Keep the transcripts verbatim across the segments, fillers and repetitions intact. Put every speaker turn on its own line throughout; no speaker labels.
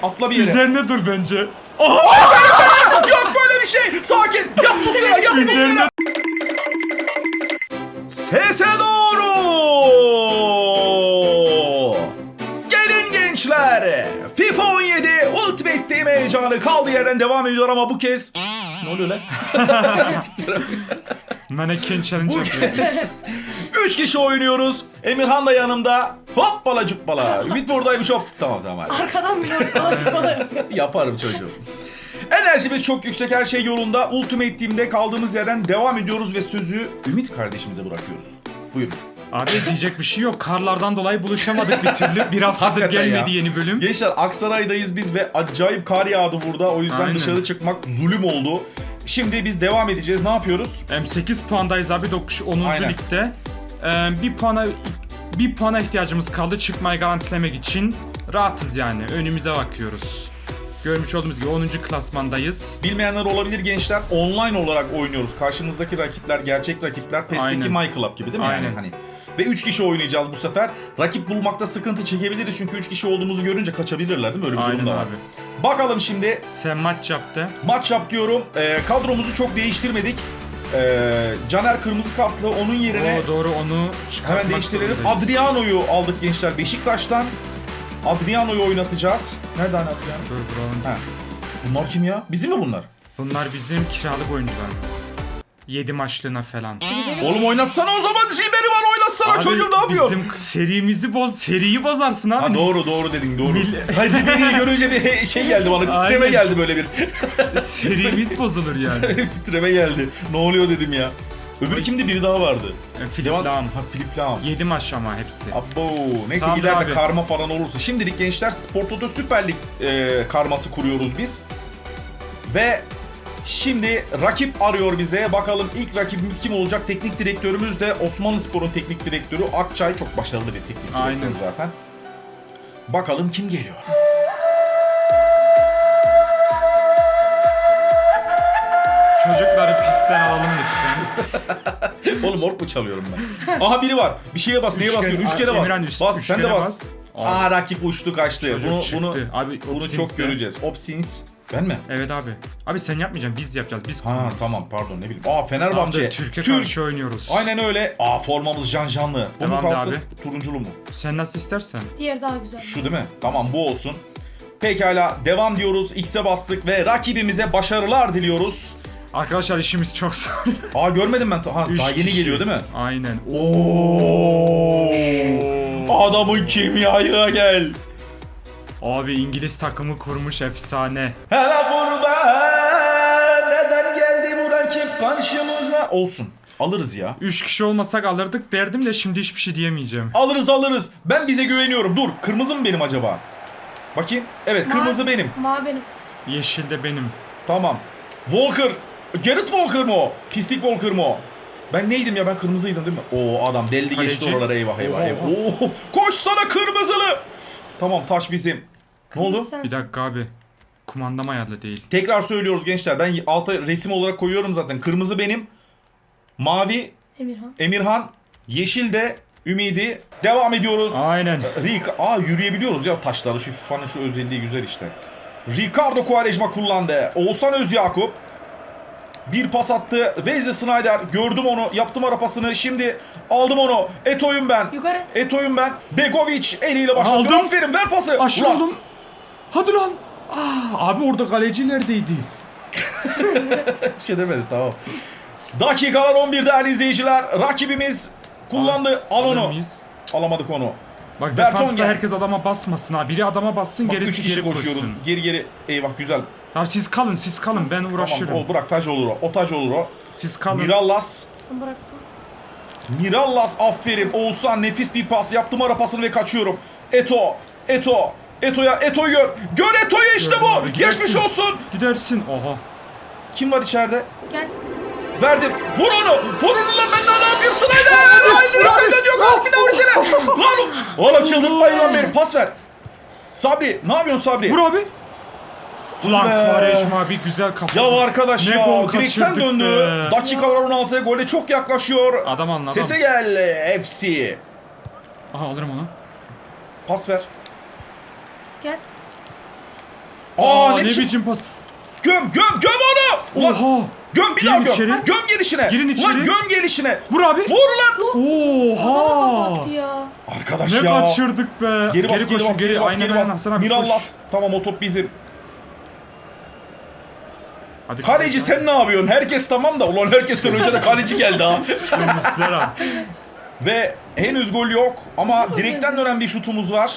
Atla bir yere.
Üzerine dur bence.
Yok böyle bir şey. Sakin. Yat bu sıra. Yat bu
Üzerine
sıra. Sese doğru. Gelin gençler. FIFA on yedi Ultimate Team heyecanı kaldığı yerden devam ediyor ama bu kez... Ne oluyor lan?
Mannequin challenge
Bu
yapıyor.
kez üç kişi oynuyoruz. Emirhan da yanımda. Hoppala cuppala. Ümit buradaymış hop. Tamam tamam hadi.
Arkadan bir dolaşma.
Yaparım çocuğum. Enerjimiz çok yüksek, her şey yolunda. Ultimate Team'de kaldığımız yerden devam ediyoruz ve sözü Ümit kardeşimize bırakıyoruz. Buyurun.
Abi diyecek bir şey yok. Karlardan dolayı buluşamadık bir türlü. Bir haftadır
Hakikaten
gelmedi
ya.
yeni bölüm.
Gençler Aksaray'dayız biz ve acayip kar yağdı burada. O yüzden
Aynen.
dışarı çıkmak zulüm oldu. Şimdi biz devam edeceğiz. Ne yapıyoruz?
Em, sekiz puandayız abi dokuz onuncu
Aynen.
ligde. Em, bir puana bir puana ihtiyacımız kaldı çıkmayı garantilemek için. Rahatız yani. Önümüze bakıyoruz. Görmüş olduğumuz gibi onuncu klasmandayız.
Bilmeyenler olabilir gençler. Online olarak oynuyoruz. Karşımızdaki rakipler gerçek rakipler. PES'teki
Aynen.
My Club gibi değil mi?
Aynen.
Yani hani. Ve üç kişi oynayacağız bu sefer. Rakip bulmakta sıkıntı çekebiliriz çünkü üç kişi olduğumuzu görünce kaçabilirler değil mi? Öyle bir
Aynen
durum da var.
abi.
Bakalım şimdi.
Sen maç yaptı.
Maç yap diyorum. Ee, kadromuzu çok değiştirmedik. Ee, Caner kırmızı kartlı, onun yerine
Oo, doğru onu çıkartmak
hemen değiştirelim.
zorundayız.
Adriano'yu aldık gençler Beşiktaş'tan. Adriano'yu oynatacağız. Nereden Adriano?
Dur buranın.
Ha. Bunlar kim ya? Bizim mi bunlar?
Bunlar bizim kiralık oyuncularımız. yedi maçlığına falan.
Oğlum oynatsana o zaman. Jilber'i var, oynatsana.
Abi,
Çocuğum ne yapıyor?
Bizim serimizi boz, seriyi bozarsın abi.
Ha doğru doğru dedin doğru.
Mil-
Hayır Jilber'i görünce bir he- şey geldi bana, titreme
Aynen.
geldi böyle bir.
Serimiz bozulur yani.
Titreme geldi. Ne oluyor dedim ya. Öbürü kimdi? Biri daha vardı.
E, Philip
Devam-
Lahm.
Ha Philip Lahm.
yedi maç ama hepsi.
Abo. Neyse
Tamam
ileride
abi.
karma falan olursa. Şimdilik gençler Spor Toto Süper Lig e, karması kuruyoruz biz. Ve şimdi rakip arıyor bize. Bakalım ilk rakibimiz kim olacak? Teknik direktörümüz de Osmanlıspor'un teknik direktörü Akçay. Çok başarılı bir teknik direktör
Aynen.
zaten. Bakalım kim geliyor?
Çocukları pistten alalım lütfen.
Oğlum ork mu çalıyorum ben? Aha biri var. Bir şeye bas. Neye
Üçgen-
basıyorsun? Üç kere bas.
Emirhan, üç-
bas.
üç
Sen de
kere
bas.
bas.
Aa rakip uçtu kaçtı.
Çocuk
bunu
çıktı.
bunu
Abi,
bunu
Opsins'te.
çok göreceğiz. Opsins. Ben mi?
Evet abi. Abi sen yapmayacaksın biz yapacağız. Biz
Ha
kuracağız.
tamam pardon ne bileyim. Aa Fenerbahçe.
Abi, Türkiye
Türk.
karşı oynuyoruz.
Aynen öyle. Aa formamız can canlı. Bu mu
Devam de
kalsın?
abi.
Turunculu mu?
Sen nasıl istersen.
Diğer daha güzel.
Şu değil mi? Tamam bu olsun. Pekala devam diyoruz. X'e bastık ve rakibimize başarılar diliyoruz.
Arkadaşlar işimiz çok zor.
Aa görmedim ben. Ha,
Üç
daha yeni
kişi.
geliyor değil mi?
Aynen.
Oo. Adamın kimyaya gel.
Abi İngiliz takımı kurmuş efsane.
Hele burada neden geldi bu rakip karşımıza? Olsun. Alırız ya.
Üç kişi olmasak alırdık derdim de şimdi hiçbir şey diyemeyeceğim.
Alırız alırız. Ben bize güveniyorum. Dur. Kırmızı mı benim acaba? Bakayım. Evet kırmızı
Ma-
benim.
Ma benim.
Yeşil de benim.
Tamam. Walker. Gerrit Walker mı o? Pislik Walker mı o? Ben neydim ya? Ben kırmızıydım değil mi? Oo adam deldi geçti
Kaleci.
oralara. Eyvah eyvah
Oha,
eyvah.
oha.
Oo, koş sana kırmızılı. Tamam taş bizim. Ne oldu?
Kırmızı sensin.
Bir dakika abi. Kumandam ayarlı değil.
Tekrar söylüyoruz gençler. Ben alta resim olarak koyuyorum zaten. Kırmızı benim. Mavi
Emirhan.
Emirhan. Yeşil de Ümidi. Devam ediyoruz.
Aynen.
Rick, aa yürüyebiliyoruz ya taşları. Şu FIFA'nın şu özelliği güzel işte. Ricardo Quaresma kullandı. Oğuzhan Özyakup. Bir pas attı. Wesley Sneijder. Gördüm onu. Yaptım ara pasını. Şimdi aldım onu. Eto'yum ben.
Yukarı.
Eto'yum ben. Begovic eliyle başladı.
Aldım.
Aferin ver pası.
Aşırı
Ulan,
oğlum. Hadi lan. Aa, abi orada kaleci neredeydi?
Bir şey demedi tamam. Dakikalar on bir değerli izleyiciler. Rakibimiz kullandı. Al
Alır
onu.
mıyız?
Alamadık onu.
Bak
Vertonghen.
defansta herkes adama basmasın ha. Biri adama bassın
Bak,
gerisi
üç kişi
geri
koşuyoruz.
koşsun.
Geri geri. Eyvah güzel.
Tamam siz kalın siz kalın ben uğraşırım.
Tamam o bırak taç olur o. O taç olur o.
Siz kalın.
Mirallas.
Ben bıraktım.
Mirallas aferin. Oğuzhan nefis bir pas. Yaptım ara pasını ve kaçıyorum. Eto. Eto. Eto'ya. Eto'yu gör. Gör Eto'yu işte
Gördüm
bu.
abi, gidersin.
Geçmiş olsun.
Gidersin. Oha.
Kim var içeride?
Gel.
Verdim. Vur onu. Vur onu lan ben daha ne yapayım Snyder. Haydi haydi yok. Kalk bir daha vursana. Lan oğlum çıldırtmayın lan beni. Pas ver. Sabri. Ne yapıyorsun Sabri?
Vur abi. Ulan
be.
Quaresma abi güzel kafa.
Ya arkadaş
Ne
ya.
gol
Direkten
kaçırdık
döndü.
be.
Dakikalar on altıya gole çok yaklaşıyor.
Adam anladı.
Sese gel F C.
Aha alırım onu.
Pas ver.
Gel.
ne
kim?
biçim pas.
Göm göm göm onu. Ulan,
Oha.
göm bir
Girin
daha göm.
içeri.
Göm gelişine.
Girin
Ulan
içeri.
göm gelişine.
Vur abi.
Vur lan.
Adama
Oha.
kapattı ya.
Arkadaş
Ne
ya.
kaçırdık be.
Geri bas, geri,
koşun,
bas, geri bas,
Aynen,
geri
aynen.
bas.
Hasan abi, koş.
Mirallas. Tamam o top bizim.
Hadi
Kaleci sen ne yapıyorsun? Herkes tamam da. Ulan herkesten önce de kaleci geldi ha.
Muslera.
Ve henüz gol yok ama direkten dönen bir şutumuz var.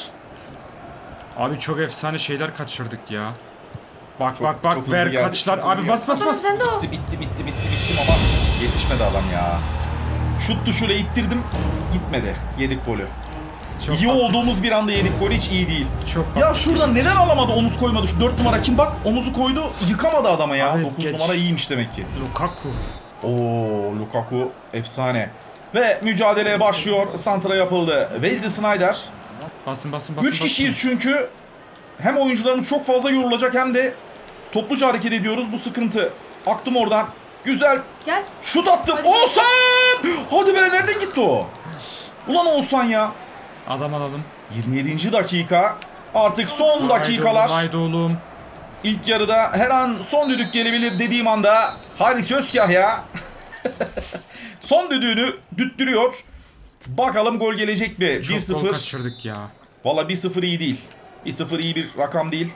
Abi çok efsane şeyler kaçırdık ya. Bak
Çok-
bak bak
çok hızlı
ver
geldi,
kaçlar.
çok hızlı
Abi bas bas
Hasan
bas.
sen de o.
Bitti bitti bitti bitti bittim ama yetişmedi adam ya. Şut tuşuyla ittirdim. Gitmedi. Yedik golü.
Çok
iyi
basit.
olduğumuz bir anda yedik golü, hiç iyi değil.
Çok
Ya
basit.
şuradan neden alamadı, omuz koymadı? Şu dört numara kim bak, omuzu koydu, yıkamadı adama ya.
Abi
dokuz
geç.
numara iyiymiş demek ki.
Lukaku.
Oo, Lukaku efsane. Ve mücadeleye başlıyor. Santra yapıldı. Wesley Sneijder.
Basın basın basın.
Üç kişiyiz çünkü. Hem oyuncularımız çok fazla yorulacak hem de topluca hareket ediyoruz. Bu sıkıntı. Aktım oradan. Güzel.
Gel.
Şut attım.
Hadi.
Oğuzhan! Hadi be, nereden gitti o? Ulan Oğuzhan ya.
Adam alalım.
yirmi yedinci dakika. Artık son dakikalar.
Haydi oğlum. Haydi oğlum.
İlk yarıda her an son düdük gelebilir dediğim anda Haris Özkahya son düdüğünü düttürüyor. Bakalım gol gelecek mi?
Çok
bir
gol
sıfır.
kaçırdık ya.
Valla bir sıfır iyi değil. bir sıfır iyi bir rakam değil.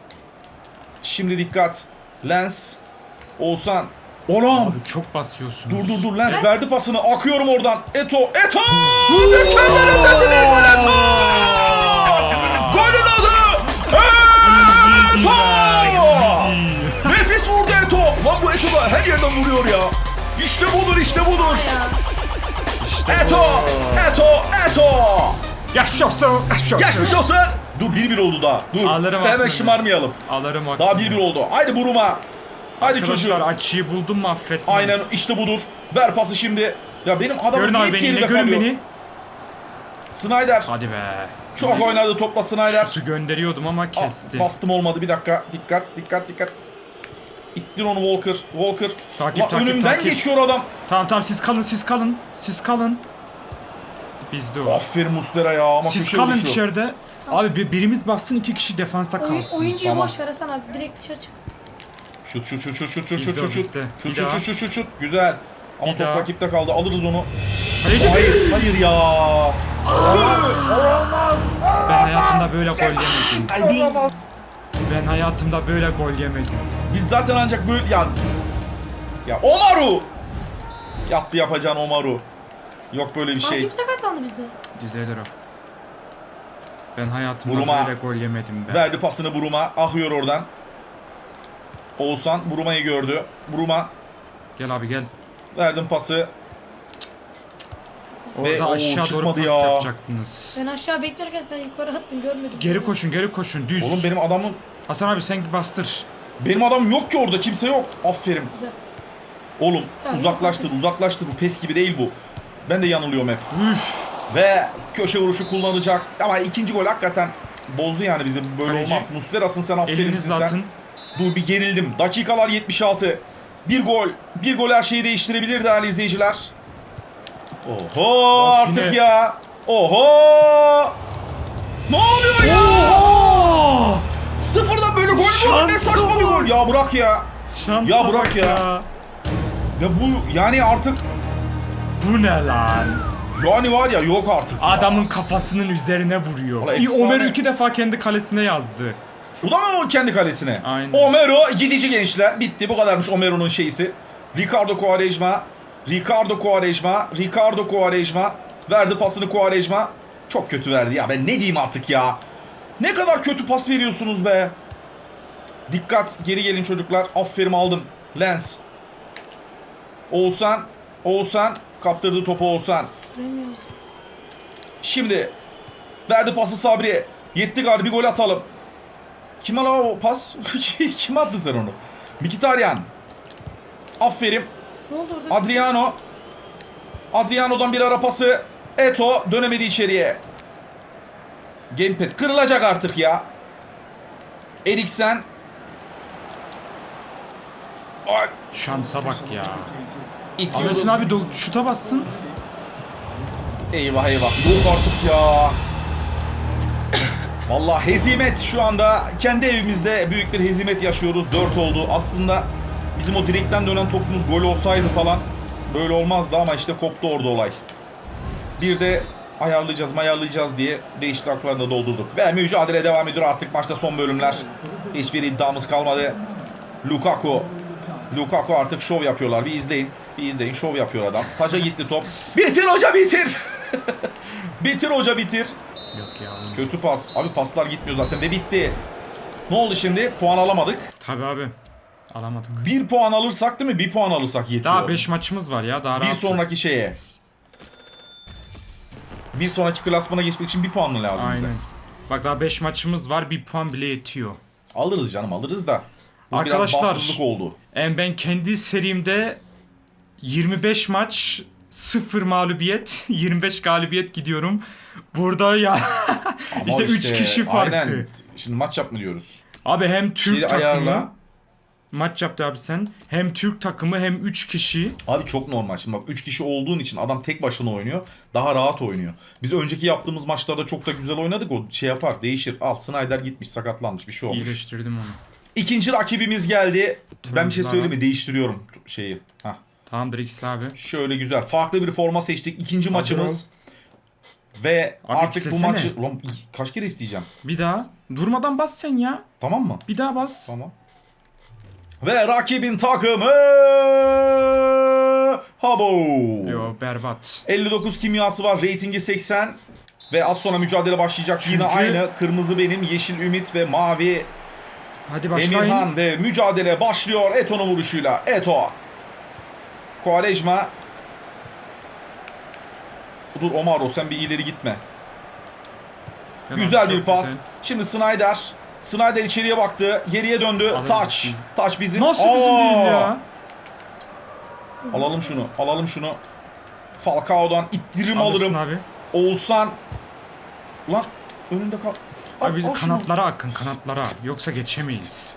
Şimdi dikkat. Lens. Oğuzhan. Oğlum.
Abi çok basıyorsunuz.
Dur dur dur, Lens verdi pasını. Akıyorum oradan. Eto. Eto. Mükemmel ötesi bir gol, Eto. Golün adı Eto. Nefis vurdu Eto. Lan bu Eto da her yerden vuruyor ya. İşte budur, işte budur. Eto. Eto. Eto.
Yaşasın. Yaşasın.
Geçmiş olsun. Dur bir bir oldu daha. Dur.
Alırım
Hemen
aklını.
şımarmayalım.
Alırım hakkını.
Daha bir bir oldu. Haydi Buruma. Haydi
Arkadaşlar
çocuğum.
açıyı buldum mu affetmem.
Aynen işte budur. Ver pası şimdi. Ya benim adamım
Görün abi
hep
beni.
geride
Ne görün
kalıyor.
beni.
Snyder.
Hadi be.
Çok oynadı topla Snyder.
Şutu gönderiyordum ama
Ah,
kesti.
bastım olmadı, bir dakika. Dikkat dikkat dikkat. İttir onu Walker. Walker.
Takip,
Lan
takip,
önümden
takip.
geçiyor adam.
Tamam tamam siz kalın siz kalın. Siz kalın. Bizde o.
Aferin Muslera ya ama
Siz
köşe
kalın
vuruşu.
içeride. Abi bir- birimiz bassın, iki kişi defansta
Oyun,
kalsın.
oyuncuyu
Tamam.
boş ver Hasan abi. Direkt dışarı çık.
Şut şut şut şut şut şut
Bizde
şut
o,
şut şut.
bizde.
Şut
Bir
şut
daha.
şut şut şut şut. Güzel. Ama
Bir
top
daha.
rakipte kaldı. Alırız onu.
Kaleci.
Hayır, hayır ya.
Ben hayatımda böyle gol yemedim.
Hadi.
Ben hayatımda böyle gol yemedim.
Biz zaten ancak böyle ya. Ya Omaru. Yaptı yapacağın Omaru. Yok böyle bir
Aa,
şey.
kim sakatlandı bizde?
Düzelir o. Ben hayatımda
Buruma.
böyle gol yemedim ben.
Verdi pasını Buruma. Akıyor oradan. Oğuzhan Buruma'yı gördü. Buruma,
Gel abi gel.
verdim pası.
Orada
Ve, oo,
aşağı doğru
çıkmadı
pas
ya.
yapacaktınız.
Ben aşağı beklerken sen yukarı attın, görmedim.
Geri koşun geri koşun düz.
Oğlum benim adamım
Hasan abi sen bastır.
benim adamım yok ki orada, kimse yok. Aferin.
Güzel.
Oğlum
Ya,
uzaklaştır
yok.
uzaklaştır, bu pes gibi değil bu. Ben de yanılıyorum hep.
Üf.
Ve köşe vuruşu kullanacak. Ama ikinci gol hakikaten bozdu yani bizi. Böyle
Kaleci.
olmaz. Muslera'sın sen, aferinsin
Elinizle
sen.
atın.
Dur bir gerildim. Dakikalar yetmiş altı. Bir gol. Bir gol her şeyi değiştirebilir değerli izleyiciler. Oho
Bak
artık
yine.
ya. Oho. Ne oluyor ya?
Oo!
Sıfırdan böyle gol mü olur? Ne
Şansa
saçma bir
bak.
gol. Ya bırak ya.
Şansa
Ya bırak
bak
ya. Ya bu yani artık
Bu ne lan?
yani var ya, yok artık. ya.
Adamın kafasının üzerine vuruyor.
Valla
İyi,
efsane.
Ömer iki defa kendi kalesine yazdı.
Bu da mı o kendi kalesine?
Aynen.
Omero gidici gençler. Bitti, bu kadarmış Omero'nun şeysi. Ricardo Quaresma. Ricardo Quaresma. Ricardo Quaresma. Verdi pasını Quaresma. Çok kötü verdi ya, ben ne diyeyim artık ya. Ne kadar kötü pas veriyorsunuz be. Dikkat, geri gelin çocuklar. Aferin, aldım. Lens. Oğuzhan. Oğuzhan. Kaptırdı topu Oğuzhan.
Süremiyoruz.
Şimdi verdi pası Sabri. Yetti galiba, bir gol atalım. Kime la o pas? Kim attı sen onu? Mkhitaryan. Aferin.
Ne oldu orada?
Adriano. Adriano'dan bir ara pası. Eto dönemedi içeriye. Gamepad kırılacak artık ya. Eriksen. Ay,
Şansa bak ya.
itiyoruz.
Anlasın abi do- şuta bassın.
Eyvah eyvah. Yok artık ya. Vallahi hezimet şu anda. Kendi evimizde büyük bir hezimet yaşıyoruz. dört oldu. Aslında bizim o direkten dönen topumuz gol olsaydı falan böyle olmazdı ama işte koptu orada olay. Bir de ayarlayacağız ayarlayacağız diye değişikliklerini de doldurduk. Ve mücadele devam ediyor artık maçta son bölümler. Hiçbir iddiamız kalmadı. Lukaku. Lukaku artık şov yapıyorlar. Bir izleyin. Bir izleyin. Şov yapıyor adam. Taca gitti top. Bitir hoca bitir. Bitir hoca bitir.
Yok ya.
Kötü pas. Abi paslar gitmiyor zaten ve bitti. Ne oldu şimdi? Puan alamadık.
Tabii abi. Alamadık.
Bir puan alırsak değil mi? Bir puan alırsak yetiyor.
Daha beş maçımız var ya. Daha
Bir
rahatız.
sonraki şeye. Bir sonraki klasmana geçmek için bir puan mı lazım bize?
Aynen. Bak daha beş maçımız var. Bir puan bile yetiyor.
Alırız canım alırız da. Bu
Arkadaşlar,
biraz bahtsızlık oldu.
Yani ben kendi serimde yirmi beş maç sıfır mağlubiyet, yirmi beş galibiyet gidiyorum. Burada ya
Ama
işte üç kişi farkı.
Aynen. Şimdi maç yapma diyoruz.
Abi hem Türk
Şeyi
takımı
ayarla.
maç yaptı abi sen. Hem Türk takımı hem üç kişi.
Abi çok normal. Şimdi bak üç kişi olduğun için adam tek başına oynuyor. Daha rahat oynuyor. Biz önceki yaptığımız maçlarda çok da güzel oynadık. O şey yapar değişir. Al Snyder gitmiş sakatlanmış bir şey olmuş.
İyileştirdim onu.
İkinci rakibimiz geldi. Ben bir şey
Turuncular
söyleyeyim mi?
var.
Değiştiriyorum şeyi. Hah.
Tamamdır ikisi abi.
Şöyle güzel. Farklı bir forma seçtik. İkinci maçımız. Ve
Abi
artık bu
istesene.
maçı... Ulan kaç kere isteyeceğim?
Bir daha. Durmadan bas sen ya.
Tamam mı?
Bir daha bas.
Tamam. Ve rakibin takımı... Habo.
Yo berbat.
elli dokuz kimyası var. Ratingi seksen. Ve az sonra mücadele başlayacak. Yine
Çünkü-
aynı. Kırmızı benim, yeşil Ümit ve mavi
Hadi başlayın.
Emirhan ve mücadele başlıyor Eto'nun vuruşuyla. Eto. Quaresma. Dur Omaro sen bir ileri gitme.
Gel
Güzel
abi,
bir
çok
pas.
güzel.
Şimdi Snyder. Snyder içeriye baktı. Geriye döndü.
Alırız
Taç.
biz.
Taç bizim.
Nasıl bizim
Aa!
değil ya?
Alalım şunu. Alalım şunu. Falcao'dan ittirim
Alırsın
alırım.
abi.
Oğuzhan. Ulan önünde kal. Al,
Abi biz
al şunu.
kanatlara akın kanatlara. Yoksa geçemeyiz.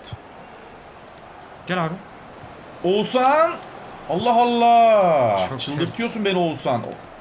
Gel abi.
Oğuzhan. Allah Allah.
Çok
Çıldırtıyorsun beni Oğuzhan.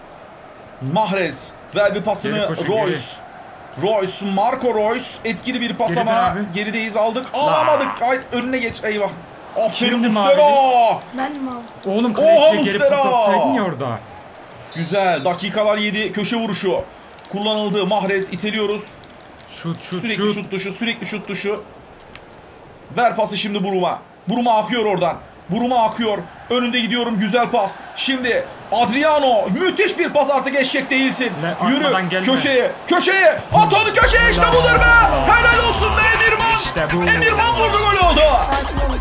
Mahrez. Ver bir pasını.
Geri koşun,
Royce. Royce. Marco Royce. Etkili bir pas
Geriden
ama
abi.
gerideyiz aldık. Alamadık. Ay, önüne geç. Eyvah. Aferin
Kimdi
Muslera.
Ben mi aldım?
Oğlum
Oha,
kaleciye geri
Muslera!
pas atsaydın ya orada.
Güzel. Dakikalar yedi. Köşe vuruşu. Kullanıldı. Mahrez iteliyoruz.
Şut şut
Sürekli
şut.
şut tuşu, sürekli şut tuşu. Ver pası şimdi Buruma. Buruma akıyor oradan. Buruma akıyor. Önünde gidiyorum. Güzel pas. Şimdi Adriano. Müthiş bir pas artık eşek değilsin.
Ne,
Yürü
atmadan gelme.
köşeye. Köşeye. At onu köşeye işte
Allah
budur be.
Allah.
Helal olsun be Emirman.
İşte bu.
Emirman vurdu gol oldu.
Sakin olun.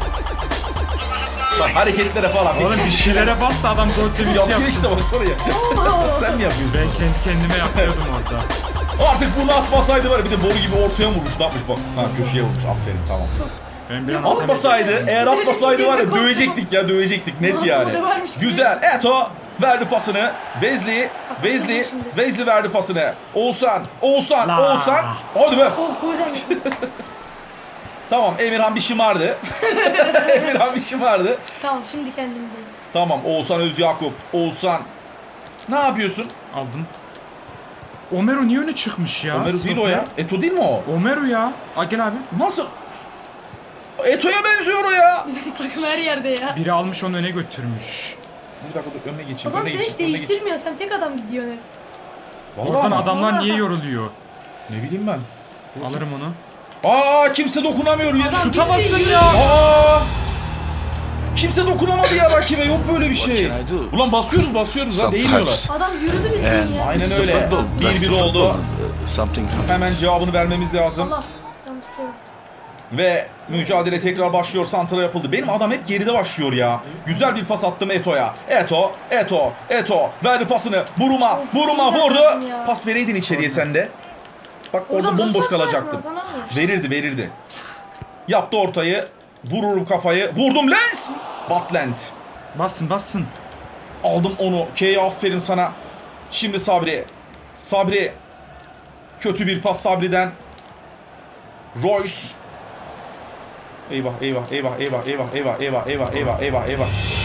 Bak hareketlere falan.
Oğlum bir şeylere bas da adam gol sevinci
Yapıyor
yapsın.
işte baksana ya. Sen mi yapıyorsun?
Ben kendi kendime yapıyordum orada.
Artık bunu atmasaydı var ya, bir de boru gibi ortaya vurmuş. Ne yapmış bak. Ha köşeye vurmuş. Aferin tamam.
Ben bir an
Atmasaydı, eğer atmasaydı var ya dövecektik ya dövecektik net
Nasıl
yani.
da varmış gibi.
Güzel. Eto verdi pasını. Wesley, Wesley,
şimdi.
Wesley verdi pasını. Oğuzhan, Oğuzhan,
La.
Oğuzhan. Hadi be.
Oh koyacağım.
Tamam Emirhan bir şımardı. Emirhan bir şımardı.
Tamam şimdi kendimdeyim.
Tamam Oğuzhan Özyakup. Oğuzhan. Ne yapıyorsun?
aldım. Omero niye öne çıkmış ya?
Ömer değil o
Stoper.
ya. Eto değil mi o?
Omero ya. Aa, gel abi.
Nasıl? Eto'ya benziyor o ya.
Bizim takım her yerde ya.
Biri almış onu öne götürmüş.
Bir dakika dur önüne geçeyim.
O zaman
önüne
sen hiç
geçeyim, önüne geçeyim.
değiştirmiyor. Sen tek adam gidiyorsun hep.
Vallahi
Oradan
ama.
adamlar niye
Vallahi.
yoruluyor?
Ne bileyim ben.
Alırım onu.
Aa kimse dokunamıyor ya.
Adam
Şuta
bir
basın
de
ya.
Aa! Kimse dokunamadı ya rakibe. Yok böyle bir şey.
What can I do?
Ulan basıyoruz basıyoruz ha değmiyorlar.
Sometimes.
Adam yürüdü bir
And
ya.
Aynen
it's
öyle.
the football.
Bir
That's
bir
the
oldu.
football. Uh, Something happens.
Hemen cevabını vermemiz lazım.
Allah. Yanlış bir şey bastım.
Ve mücadele tekrar başlıyor. Santra yapıldı. Benim adam hep geride başlıyor ya. Güzel bir pas attım Eto'ya. Eto, Eto, Eto. Verdi pasını. Buruma,
Of,
Buruma
iyi
vurdu.
yaptın ya.
Pas vereydin içeriye sen de. Bak orada
Oradan
bomboş
nasıl pas
kalacaktım.
versin Hasan abi?
Verirdi verirdi. Yaptı ortayı. Vururum kafayı. Vurdum Lens. Batland.
Bassın bassın.
Aldım onu. K'ye aferin sana. Şimdi Sabri. Sabri. Kötü bir pas Sabri'den. Royce. Eyvah eyvah eyvah eyvah eyvah eyvah eyvah eyvah eyvah eyvah eyvah.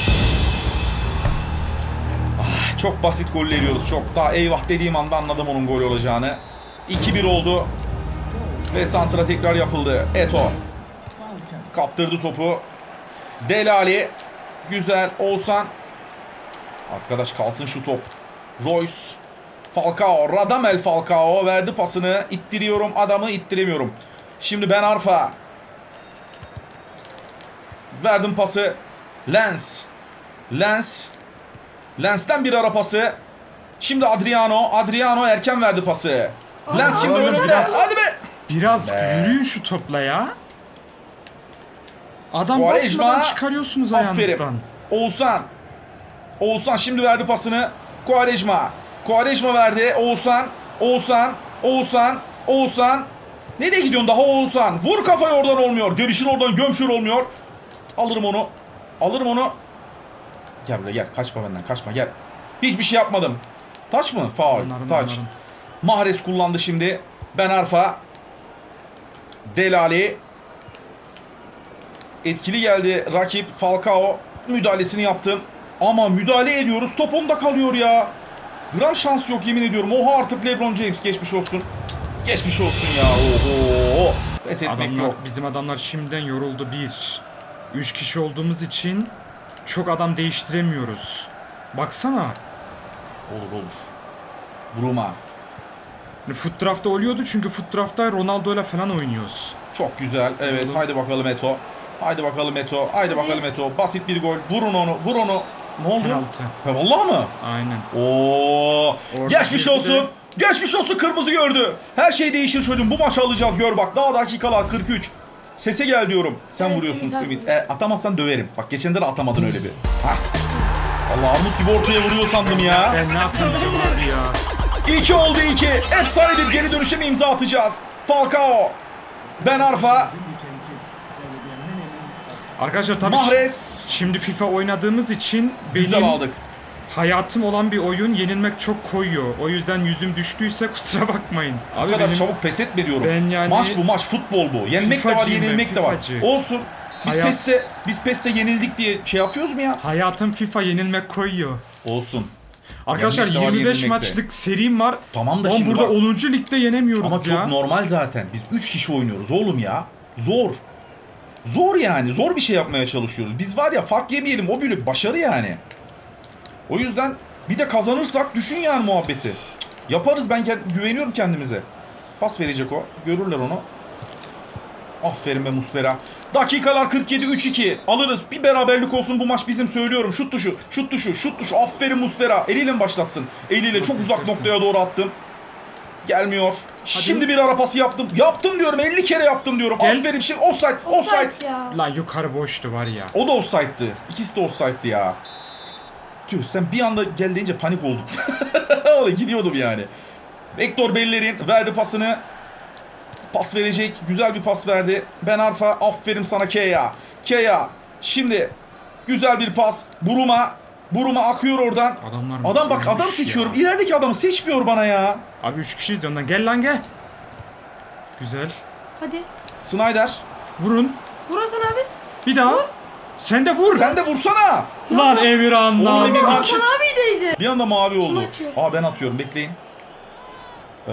Ah, çok basit goller yiyoruz çok. Daha eyvah dediğim anda anladım onun gol olacağını. iki bir oldu. Ve santra tekrar yapıldı. Eto. Kaptırdı topu. Delali. Güzel. Oğuzhan. Arkadaş kalsın şu top. Royce. Falcao. Radamel Falcao verdi pasını. İttiriyorum adamı, ittiremiyorum. Şimdi Ben Arfa. Verdim pası. Lens. Lens. Lens'ten bir ara pası. Şimdi Adriano. Adriano erken verdi pası. Lens şimdi
oğlum
önünde.
biraz-
Hadi be.
Biraz
Be.
yürüyün şu topla ya. Adam
Quaresma.
basmadan çıkarıyorsunuz
Aferin.
ayağınızdan.
Oğuzhan. Oğuzhan şimdi verdi pasını. Quaresma. Quaresma verdi. Oğuzhan. Oğuzhan. Oğuzhan. Oğuzhan. Nereye gidiyorsun daha Oğuzhan? Vur kafayı, oradan olmuyor. Gelişin oradan gömşür olmuyor. Alırım onu. Alırım onu. Gel buraya gel. Kaçma benden. Kaçma gel. Hiçbir şey yapmadım. Taç mı? Faul.
Anlarım,
Taç.
anlarım.
Mahrez kullandı şimdi. Ben Arfa. Delali. Etkili geldi rakip. Falcao müdahalesini yaptım. Ama müdahale ediyoruz. Top onda kalıyor ya. Gram şans yok yemin ediyorum. Oha artık LeBron James, geçmiş olsun. Geçmiş olsun ya. Oho. Pes etmek
Adamlar,
yok.
bizim adamlar şimdiden yoruldu bir. Üç kişi olduğumuz için çok adam değiştiremiyoruz. Baksana.
Olur olur. Bruma.
Hani Foot draft'ta oluyordu çünkü foot draft'ta Ronaldo'yla falan oynuyoruz.
Çok güzel. Evet,
Oğlum.
haydi bakalım Eto. Haydi bakalım Eto. Haydi
Hadi.
bakalım Eto. Basit bir gol. Vurun onu. Vur onu. Ne oldu?
Penaltı.
Ha, vallahi mı?
Aynen.
Oo!
Orada
Geçmiş
girdi
olsun.
de-
Geçmiş olsun, kırmızı gördü. Her şey değişir çocuğum. Bu maçı alacağız, gör bak. Daha dakikalar kırk üç. Sese gel diyorum. Sen
Evet,
vuruyorsun
güzel
Ümit.
vuruyor.
E, atamazsan döverim. Bak geçen de atamadın öyle bir. Hah. Allah, armut gibi ortaya vuruyor sandım ya.
Ben ne yapamayacağım abi ya.
iki oldu iki. Efsane bir geri dönüşe mi imza atacağız? Falcao. Ben Arfa.
Arkadaşlar tabii
Mahrez.
şimdi FIFA oynadığımız için
Güzel
benim
aldık.
hayatım olan bir oyun yenilmek çok koyuyor. O yüzden yüzüm düştüyse kusura bakmayın.
Bu
Abi
kadar
benim
çabuk pes etme diyorum.
Ben yani-
Maç bu maç, futbol bu. Yenmek de var,
Fifacıyım ben,
yenilmek de var.
fifacı.
Olsun. Biz
Hayat-
PES'te biz PES'te yenildik diye şey yapıyoruz mu ya?
hayatım FIFA yenilmek koyuyor.
Olsun.
Arkadaşlar
Yenmek de var,
yirmi beş
yenilmek de.
maçlık serim var.
Tamam da
Ama
şimdi
burada
bak.
onuncu ligde yenemiyoruz
Ama
ya.
çok normal zaten. Biz üç kişi oynuyoruz oğlum ya. Zor. Zor yani. Zor bir şey yapmaya çalışıyoruz. Biz var ya, fark yemeyelim. O bile başarı yani. O yüzden bir de kazanırsak düşün yani muhabbeti. Yaparız, ben kend- güveniyorum kendimize. Pas verecek o. Görürler onu. Aferin be Muslera. Dakikalar kırk yedi, üç iki. Alırız. Bir beraberlik olsun bu maç bizim, söylüyorum. Şut tuşu, şut tuşu, şut tuşu. Aferin Muslera. Eliyle mi başlatsın? Eliyle çok
Nasıl
uzak
istersen.
noktaya doğru attım. Gelmiyor. Şimdi bir ara pası yaptım. Yaptım diyorum. elli kere yaptım diyorum.
Gel.
Aferin. Şimdi offside. Offside.
Offside ya.
Lan yukarı boştu var ya.
O da offside'dı. İkisi de offside'dı ya. Tüh, sen bir anda gel deyince panik oldum. Oğlum gidiyordum yani. Hector Bellerin verdi pasını. Pas verecek. Güzel bir pas verdi. Ben Arfa. Aferin sana Keya. Keya. Şimdi güzel bir pas. Buruma. Buruma akıyor oradan.
Adamlar
Adam bak, adam
ölmüş
seçiyorum.
ya.
İlerideki adamı seçmiyor bana ya.
Abi üç kişiyiz ya ondan. Gel lan gel. Güzel.
Hadi.
Snyder.
Vurun.
Vur Hasan abi.
Bir daha. Sen de vur.
Sen de vursana.
Lan Emirhan
Oğlum
lan.
Emirhan.
Hasan abi deydi.
Bir anda mavi oldu.
atıyor?
Aa, ben atıyorum. Bekleyin. Ee,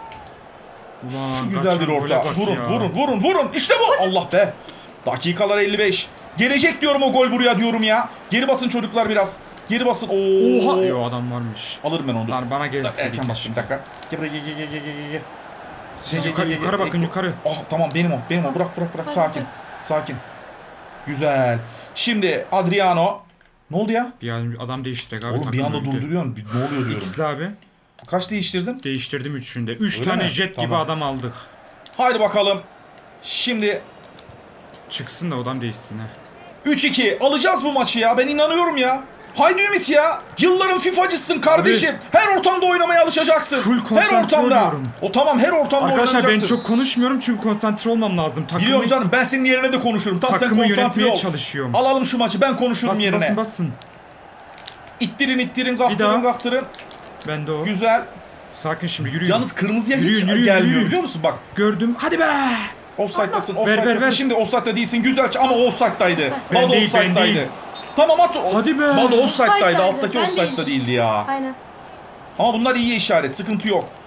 Ulan,
Güzel bir
kaçan gole
orta.
bak
Vurun,
ya.
vurun, vurun, vurun. İşte bu. Allah be. Dakikalar elli beş. Gelecek diyorum o gol buraya diyorum ya. Geri basın çocuklar biraz. Geri basın. Oo.
Oha. Yo adam varmış.
Alırım ben onu.
Lan bana
Da-
gelsin.
Erken bastım, bir dakika. Gel buraya, gel gel gel gel gel, gel.
Siz
Gel,
yukarı,
gel, gel,
yukarı
gel.
bakın yukarı.
Ah tamam, benim o. Benim o. Bırak bırak bırak.
Sakin,
Sakin. Sakin. Güzel. Şimdi Adriano. Ne oldu ya?
Bir an adam değiştirdik abi.
Oğlum bir
takım
anda
öldü.
durduruyorsun. Bir- Ne oluyor diyorum.
İkizli abi.
Kaç değiştirdin?
Değiştirdim üçünde. Üç
Öyle
tane
mi?
jet gibi
Tamam.
adam aldık.
Haydi bakalım. Şimdi
Çıksın da adam değişsin ha.
üç iki. Alacağız bu maçı ya. Ben inanıyorum ya. Haydi Ümit ya. Yılların FIFA'cısın kardeşim. Her ortamda oynamaya alışacaksın.
Full
her
konsantre
ortamda.
oluyorum.
O tamam, her ortamda
Arkadaşlar ben
oynanacaksın.
çok konuşmuyorum çünkü konsantre olmam lazım. Takımı,
Biliyorum canım, ben senin yerine de konuşurum. Tam sen
takımı
konsantre
yönetmeye
ol.
çalışıyorum.
Alalım şu maçı, ben konuşurum
Basın
yerine.
basın basın.
İttirin ittirin,
Bir
kaktırın
daha.
kaktırın.
Ben de o.
Güzel.
Sakin şimdi yürüyün.
Yalnız kırmızıya hiç
Yürüyün, yürüyün,
gelmiyor
yürüyün.
biliyor musun? Bak,
Gördüm. Hadi be.
offside'dasın,
Ver, ver,
offside'dasın.
ver.
Şimdi offside'da değilsin. Güzel ama o offside'daydı.
Ben
Bado
değil, ben
offside'daydı.
değil.
Tamam at.
Hadi be.
Bado offside'daydı.
Offside'daydı,
Alttaki
ben
offside'da
değildim.
değildi ya.
Aynen.
Ama bunlar iyi işaret. Sıkıntı yok.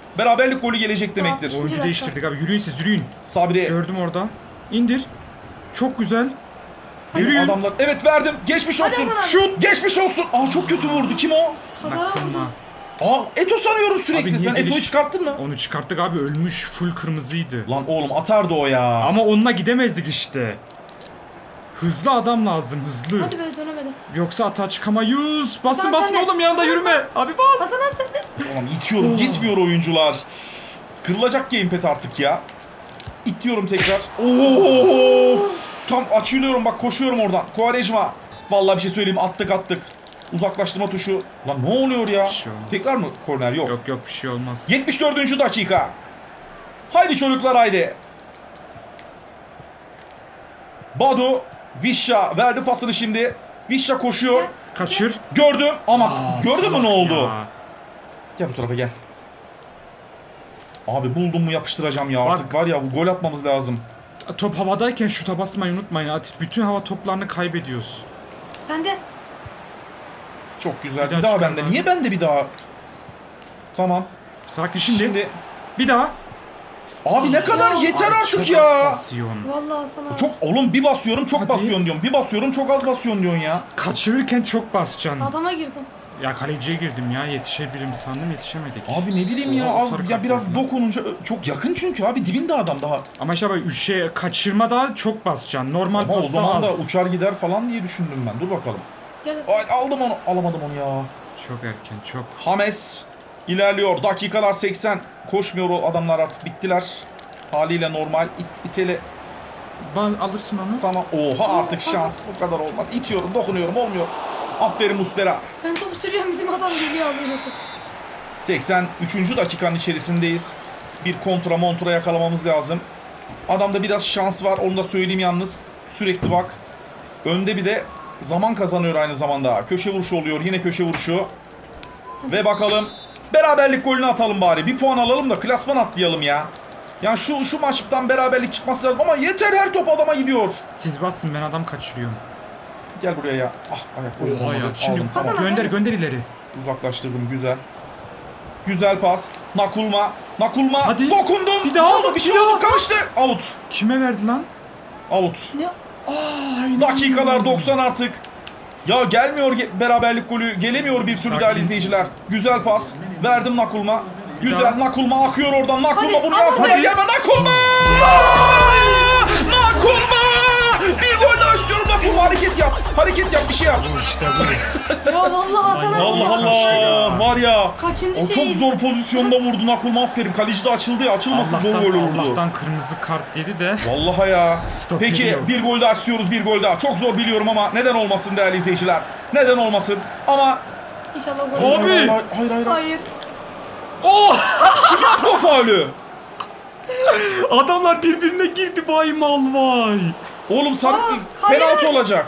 beraberlik golü gelecek demektir.
Tamam.
Oyuncu
dakika.
değiştirdik abi. Yürüyün siz yürüyün.
Sabri
Gördüm orada. İndir. Çok güzel. Yürüyün.
adamlar. Evet verdim. Geçmiş
Hadi
olsun.
Hasan abi.
Şut. Geçmiş olsun. Aa çok kötü vurdu. Kim o?
Kazara
Nakılma.
vurdum.
Aa Eto sanıyorum
Abi
sürekli.
niye
Sen
geliş-
Eto'yu çıkarttın mı?
Onu çıkarttık abi, ölmüş, full kırmızıydı.
Lan oğlum atardı o ya.
Ama onunla gidemezdik işte. Hızlı adam lazım, hızlı.
Hadi be dönemedim.
Yoksa atağa çıkamayız. Basın
Hasan
basın
sen de.
oğlum, yanında
Hasan
yürüme. Abi bas.
Hasan abi sen de.
Ulan itiyorum. Gitmiyor oyuncular. Kırılacak gamepad artık ya. İtiyorum tekrar. Oo! Tam açılıyorum bak, koşuyorum oradan. Quaresma. Vallahi bir şey söyleyeyim, attık attık. Uzaklaştırma tuşu. Lan ne oluyor ya?
Bir şey olmaz.
Tekrar mı korner? Yok.
Yok yok, bir şey olmaz.
yetmiş dördüncü dakika. Haydi çocuklar haydi. Badu Visca verdi pasını şimdi. Visca koşuyor.
Kaçır.
Gördüm ama
Aa,
gördün mü ne
salak
oldu?
ya.
Gel bu tarafa gel. Abi buldum mu yapıştıracağım ya.
Bak.
Artık var ya, gol atmamız lazım.
Top havadayken şuta basmayı unutmayın. Atit bütün hava toplarını kaybediyoruz.
Sen de.
Çok güzel.
Bir
Bir,
daha
daha
çıkar
bende.
lan.
Niye bende bir daha? Tamam.
Sakin şimdi.
Şimdi,
Bir daha.
abi ne kadar
Ya,
yeter
Ay,
artık
çok
ya.
az basıyorsun.
Vallahi Hasan abi.
Çok oğlum, bir basıyorum çok
Hadi.
basıyorsun diyorum. Bir basıyorum çok az basıyorsun diyorsun ya.
Kaçırırken çok basacaksın.
Adama girdim.
Ya kaleciye girdim ya, yetişebilirim sandım, yetişemedik.
Abi ne bileyim ya,
Allah,
az
sarı
ya
kart
biraz
gördüm.
dokununca ö- çok yakın çünkü abi, dibinde adam daha.
Ama işte böyle şey, kaçırma da çok basacaksın. Normal
Ama o
pasta
zaman da
az.
uçar gider falan diye düşündüm ben. Dur bakalım.
Gel Hasan.
Ay, aldım onu. Alamadım onu ya.
Çok erken, çok.
Hames ilerliyor. Dakikalar seksen. Koşmuyor o adamlar, artık bittiler. Haliyle normal. İt, itele.
Ban alırsın onu.
Tamam. Oha, artık şans bu kadar olmaz. İtiyorum, dokunuyorum, olmuyor. Aferin Muslera.
Ben topu sürüyorum, bizim adam geliyor alıyor topu.
seksen üçüncü dakikanın içerisindeyiz. Bir kontra montra yakalamamız lazım. Adamda biraz şans var, onu da söyleyeyim yalnız. Sürekli bak. Önde bir de zaman kazanıyor aynı zamanda. Köşe vuruşu oluyor, yine köşe vuruşu. Ve bakalım, beraberlik golünü atalım bari. Bir puan alalım da klasman atlayalım ya. Yani şu şu maçtan beraberlik çıkması lazım ama yeter, her top adama gidiyor.
Siz basın, ben adam kaçırıyorum.
Gel buraya ya. Ah, ayak golü
Oha ya.
olmadı.
Şimdi
Aldım, tamam.
Hasan-
gönder gönder ileri.
Uzaklaştırdım, güzel. Güzel pas. Nakulma. Nakulma.
Hadi.
Dokundum.
Bir daha.
Ne oldu? Bir şey
Bir
oldu.
daha.
Karıştı. Out.
Kime verdi lan?
Out.
Ne?
Dakikalar doksan artık. Ya gelmiyor ge- beraberlik golü. Gelemiyor bir türlü
Sakin.
değerli izleyiciler. Güzel pas. Verdim Nakulma. Güzel.
daha.
Nakulma akıyor oradan. Nakulma
Hadi,
bunu
hadi,
yazmaya
hadi.
gelme. Nakulma! Nakulma! Bir gol daha istiyorum Nakulma. Hareket yap. Hareket yap. Bir şey yap.
İşte bu.
Ya vallahi Hasan abi.
Allah
ya.
Allah. Var ya.
Kaçıncı
O çok
şey?
zor pozisyonda vurdu Nakulma, aferin. Kaleci de açıldı ya. Açılmasa zor
Allah'tan,
gol olurdu.
Allah'tan kırmızı kart yedi de.
Vallahi ya.
Stop
Peki
ediyor.
bir gol daha istiyoruz, bir gol daha. Çok zor biliyorum ama neden olmasın değerli izleyiciler. Neden olmasın? Ama
İnşallah gol
Abi!
olur.
hayır hayır hayır. hayır.
Hayır.
Oh!
O faulü.
Adamlar birbirine girdi, vay mal vay.
Oğlum sarı
Aa, hayır.
penaltı olacak.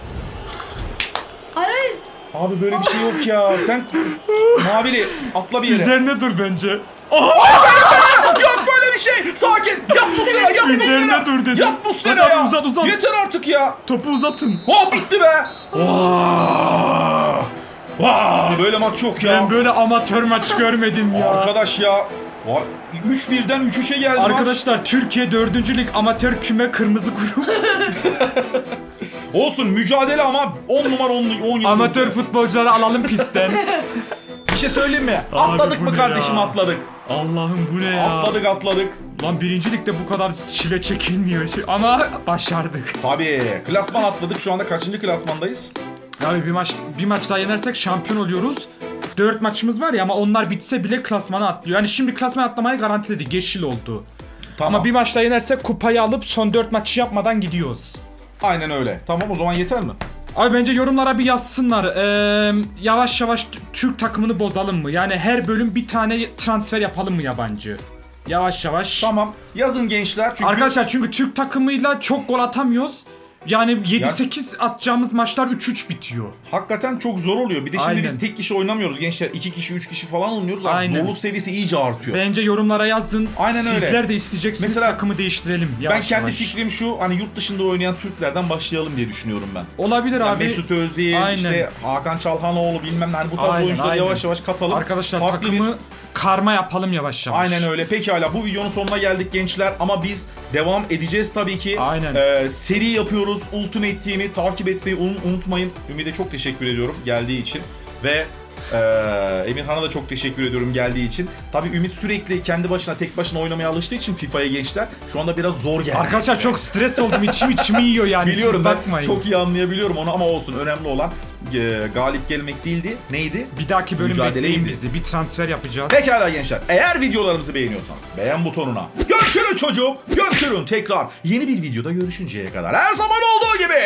Hayır hayır.
Abi böyle bir şey yok ya. Sen Mavili atla bir yere.
Üzerine dur bence.
Yok böyle bir şey. Sakin. Yat Muslera, yat
Üzerine
Muslera.
dur dedim.
Yat Muslera
Hadi
ya.
uzat, uzat.
Yeter artık ya.
Topu uzatın.
Hop bitti be. Vaa! Vaa! Böyle maç yok ya.
Ben böyle amatör maç görmedim ya.
Arkadaş ya. Vay, üç birden üç üçe geldi maç.
Arkadaşlar, Türkiye dördüncü Lig amatör küme kırmızı grup.
Olsun, mücadele ama on numara on yıldızlı.
Amatör futbolcuları alalım pistten.
Bir şey söyleyeyim mi?
Abi
Atladık
bu
mı
ne
kardeşim,
ya?
atladık.
Allah'ım bu ne ya?
Atladık atladık.
Lan birinci ligde bu kadar çile çekilmiyor ama başardık.
Tabii. Klasman atladık. Şu anda kaçıncı klasmandayız?
Abi bir maç bir maç daha yenersek şampiyon oluyoruz. Dört maçımız var ya, ama onlar bitse bile klasmana atlıyor. Yani şimdi klasmana atlamayı garantiledik. Yeşil oldu.
Tamam.
Ama bir maç daha yenersek kupayı alıp son dört maçı yapmadan gidiyoruz.
Aynen öyle. Tamam, o zaman yeter mi?
Abi bence yorumlara bir yazsınlar. Ee, yavaş yavaş t- Türk takımını bozalım mı? Yani her bölüm bir tane transfer yapalım mı yabancı? Yavaş yavaş.
Tamam. Yazın gençler. Çünkü
Arkadaşlar, çünkü Türk takımıyla çok gol atamıyoruz. Yani yedi sekiz atacağımız maçlar üç üç bitiyor.
hakikaten çok zor oluyor. Bir de şimdi
Aynen.
biz tek kişi oynamıyoruz gençler. iki kişi, üç kişi falan oynuyoruz. Abi
Aynen.
zorluk seviyesi iyice artıyor.
Bence yorumlara yazın.
Aynen öyle.
Sizler de isteyeceksiniz,
Mesela
takımı değiştirelim yavaş
Ben kendi
yavaş.
fikrim şu, hani yurt dışında oynayan Türklerden başlayalım diye düşünüyorum ben.
Olabilir
Yani
abi.
Mesut Özil,
Aynen.
işte Hakan Çalhanoğlu, bilmem ne, hani bu tarz
Aynen,
oyuncuları
aynen.
yavaş yavaş katalım.
Arkadaşlar
Farklı
takımı
bir-
karma yapalım yavaş yavaş.
Aynen öyle. Pekala, bu videonun sonuna geldik gençler ama biz devam edeceğiz tabii ki.
Aynen.
Ee, seri yapıyoruz. Ultimate Team'i takip etmeyi un- unutmayın. Ümit'e çok teşekkür ediyorum geldiği için ve e, Emirhan'a da çok teşekkür ediyorum geldiği için. Tabii Ümit sürekli kendi başına tek başına oynamaya alıştığı için FIFA'ya gençler şu anda biraz zor geldi.
Arkadaşlar çok stres oldum. İçim içimi yiyor yani.
Biliyorum,
siz
ben
bakmayın.
çok iyi anlayabiliyorum onu ama olsun. Önemli olan e, galip gelmek değildi. Neydi?
Bir dahaki bölüm
Mücadeleydi.
bekleyin bizi. Bir transfer yapacağız.
Pekala gençler, eğer videolarımızı beğeniyorsanız beğen butonuna görüşürüz çocuğum, görüşürüz tekrar yeni bir videoda görüşünceye kadar her zaman olduğu gibi.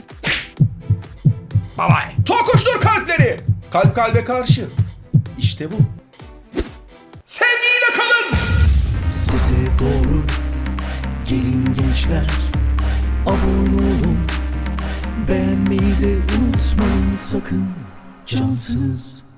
Bye bye.
Tokuştur kalpleri, kalp kalbe karşı, işte bu. Sevgiyle kalın.
Size doğru gelin gençler, abone olun, beğenmeyi de unutmayın sakın, cansız.